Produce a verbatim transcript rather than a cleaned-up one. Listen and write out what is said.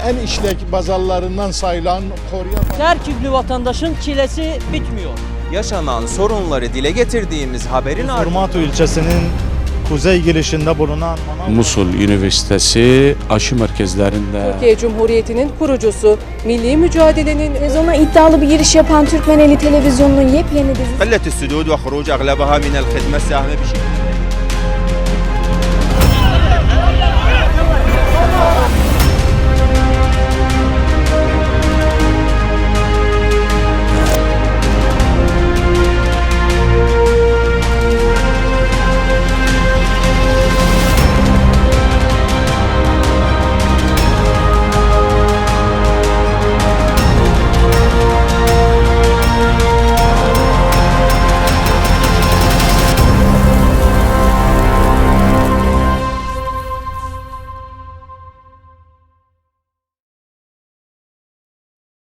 en işlek bazarlarından sayılan Korya... Serküklü vatandaşın çilesi bitmiyor. Yaşanan sorunları dile getirdiğimiz haberin ardından Urmatu ilçesinin kuzey girişinde bulunan Musul Üniversitesi aşı merkezlerinde Türkiye Cumhuriyeti'nin kurucusu, milli mücadelenin Televizyona iddialı bir giriş yapan Türkmeneli Televizyonu'nun yepyeni dizisi قلة السدود وخروج أغلبها من الخدمة ساهم بشكل